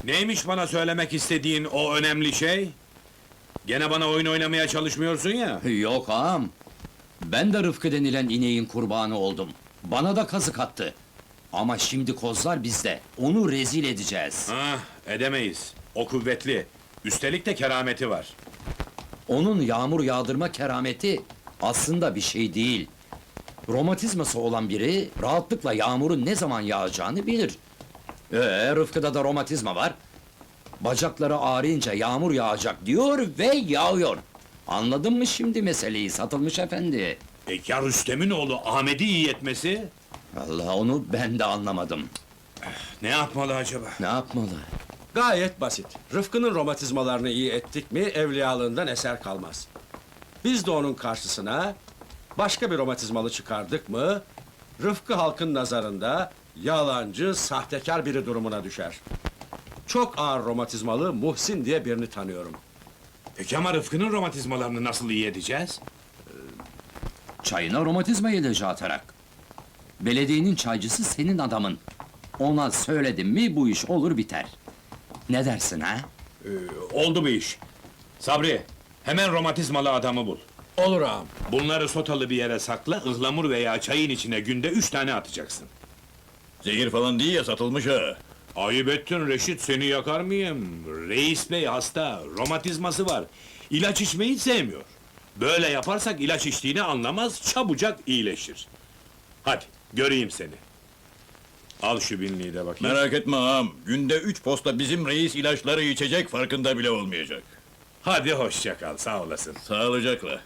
Neymiş bana söylemek istediğin o önemli şey? Gene bana oyun oynamaya çalışmıyorsun ya. Yok ağam. Ben de Rıfkı denilen ineğin kurbanı oldum. Bana da kazık attı. Ama şimdi kozlar bizde. Onu rezil edeceğiz. Ah, edemeyiz. O kuvvetli. Üstelik de kerameti var. Onun yağmur yağdırma kerameti aslında bir şey değil. Romatizması olan biri rahatlıkla yağmurun ne zaman yağacağını bilir. Rıfkı'da da romatizma var. Bacakları ağrıyınca yağmur yağacak diyor ve yağıyor. Anladın mı şimdi meseleyi Satılmış efendi? Ya Rüstem'in oğlu Ahmet'i iyi etmesi? Allah, onu ben de anlamadım. Ne yapmalı acaba? Ne yapmalı? Gayet basit. Rıfkı'nın romatizmalarını iyi ettik mi evliyalığından eser kalmaz. Biz de onun karşısına başka bir romatizmalı çıkardık mı Rıfkı halkın nazarında yalancı, sahtekar biri durumuna düşer. Çok ağır romatizmalı Muhsin diye birini tanıyorum. Peki ama Rıfkı'nın romatizmalarını nasıl iyi edeceğiz? Çayına romatizma ilacı atarak. Belediyenin çaycısı senin adamın. Ona söyledim mi bu iş olur biter. Ne dersin ha? Oldu bu iş. Sabri, hemen romatizmalı adamı bul. Olur ağam. Bunları sotalı bir yere sakla, ıhlamur veya çayın içine günde 3 tane atacaksın. Zehir falan değil ya, Satılmış ha. Ayıp ettin Reşit, seni yakar mıyım? Reis bey hasta, romatizması var. İlaç içmeyi sevmiyor. Böyle yaparsak ilaç içtiğini anlamaz, çabucak iyileşir. Hadi, göreyim seni. Al şu binliği de bakayım. Merak etme ağam, günde 3 posta bizim reis ilaçları içecek, farkında bile olmayacak. Hadi hoşça kal, sağ olasın. Sağlıcakla.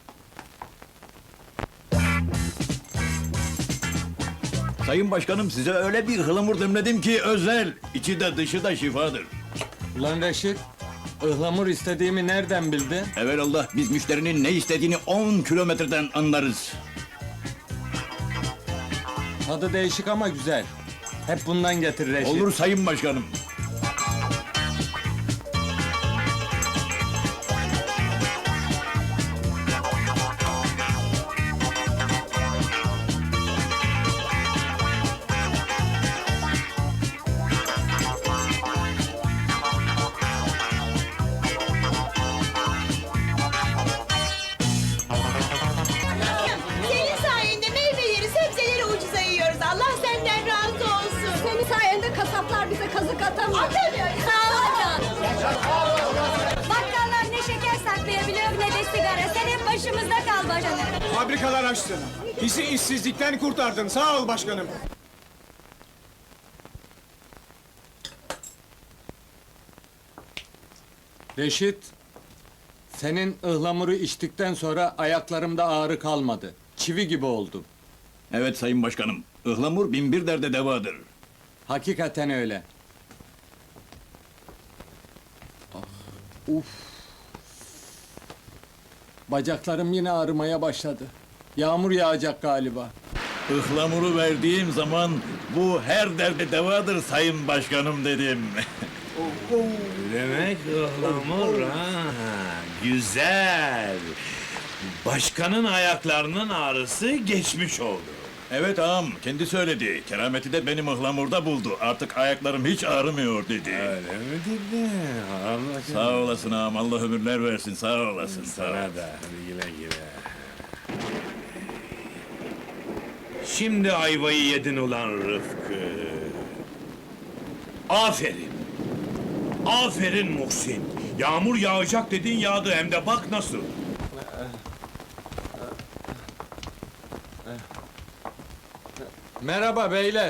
Sayın Başkanım, size öyle bir ıhlamur demledim ki özel, içi de dışı da şifadır. Ulan Reşit, ıhlamur istediğimi nereden bildin? Evelallah, biz müşterinin ne istediğini 10 kilometreden anlarız. Tadı değişik ama güzel. Hep bundan getir Reşit. Olur Sayın Başkanım. Senin sayende meyveleri, sebzeleri ucuza yiyoruz. Allah senden razı olsun. Senin sayende kasaplar bize kazık atamıyor. Atamıyor. Sağ ol canım. Bakkallar ne şeker saklayabiliyor ne de sigara. Sen hep başımızda kal başkanım. Fabrikalar açtın. Bizi işsizlikten kurtardın. Sağ ol başkanım. Reşit, senin ıhlamuru içtikten sonra ayaklarımda ağrı kalmadı. Çivi gibi oldum. Evet Sayın Başkanım, ıhlamur binbir derde devadır. Hakikaten öyle. Uf. Bacaklarım yine ağrımaya başladı. Yağmur yağacak galiba. Ihlamuru verdiğim zaman bu her derde devadır Sayın Başkanım dedim. Demek ıhlamur ha, güzel. Başkanın ayaklarının ağrısı geçmiş oldu. Evet ağam, kendi söyledi. Kerameti de benim ıhlamurda buldu. Artık ayaklarım hiç ağrımıyor dedi. Öyle mi dedi? Allah Sağ olasın ağam, Allah ömürler versin, sağ olasın. Sağ ol. sana da, hadi güle güle. Şimdi ayvayı yedin ulan Rıfkı. Aferin. Aferin Muhsin. Yağmur yağacak dedin yağdı hem de bak nasıl. Merhaba beyler.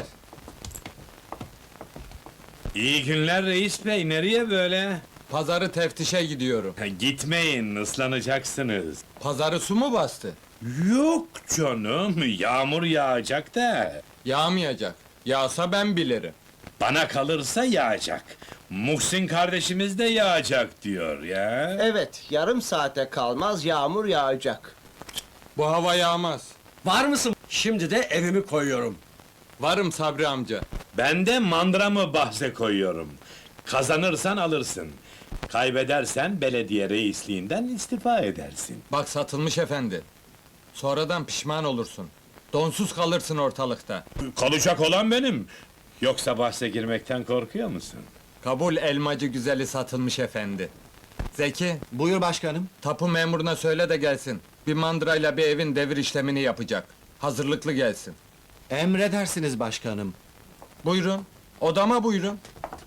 İyi günler reis bey, nereye böyle? Pazarı teftişe gidiyorum. Gitmeyin, ıslanacaksınız. Pazarı su mu bastı? Yok canım, yağmur yağacak da. Yağmayacak. Yağsa ben bilirim. Bana kalırsa yağacak. Muhsin kardeşimiz de yağacak diyor ya. Evet, yarım saate kalmaz yağmur yağacak. Bu hava yağmaz. Var mısın? Şimdi de evimi koyuyorum. Varım Sabri amca. Ben de mandramı bahse koyuyorum. Kazanırsan alırsın. Kaybedersen belediye reisliğinden istifa edersin. Bak Satılmış efendi. Sonradan pişman olursun. Donsuz kalırsın ortalıkta. Kalacak olan benim. Yoksa bahse girmekten korkuyor musun? Kabul elmacı güzeli satılmış efendi. Zeki, Buyur başkanım. tapu memuruna söyle de gelsin. Bir mandrayla bir evin devir işlemini yapacak. Hazırlıklı gelsin. Emredersiniz başkanım. Buyurun, odama buyurun.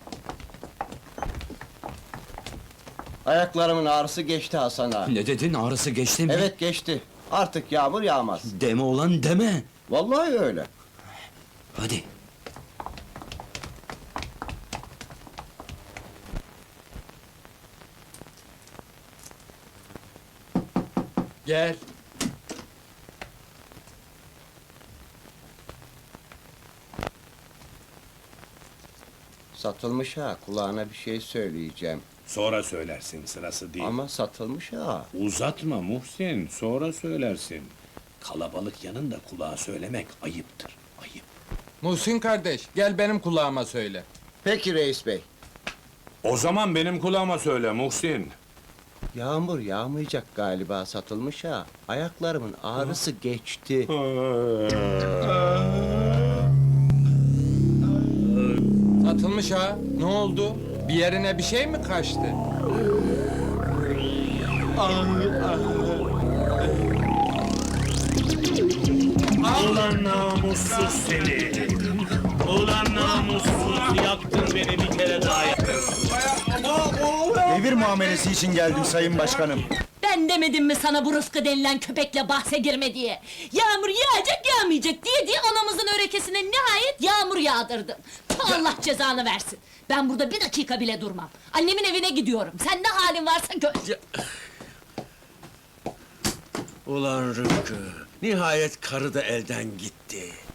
Ayaklarımın ağrısı geçti Hasan ağa. Ne dedin, ağrısı geçti mi? Evet geçti. Artık yağmur yağmaz. Deme ulan deme! Vallahi öyle. Hadi! Gel. Satılmış ha. Kulağına bir şey söyleyeceğim. Sonra söylersin, sırası değil. Ama satılmış ha. Uzatma Muhsin, sonra söylersin. Kalabalık yanında kulağa söylemek ayıptır, ayıp. Muhsin kardeş, gel benim kulağıma söyle. Peki reis bey. O zaman benim kulağıma söyle Muhsin. Yağmur yağmayacak galiba satılmış ha. Ayaklarımın ağrısı geçti. Satılmış ha, ne oldu? Bir yerine bir şey mi kaçtı? Ulan namussuz seni! Ulan namussuz, yaktın beni bir kere daha yaktın. Devir muamelesi için geldim sayın başkanım. Ben demedim mi sana bu Rıfkı denilen köpekle bahse girme diye? Yağmur yağacak yağmayacak diye anamızın örekesine nihayet yağmur yağdırdın. Allah cezanı versin. Ben burada bir dakika bile durmam. Annemin evine gidiyorum. Sen ne halin varsa gör. Ulan Rıfkı, nihayet karı da elden gitti.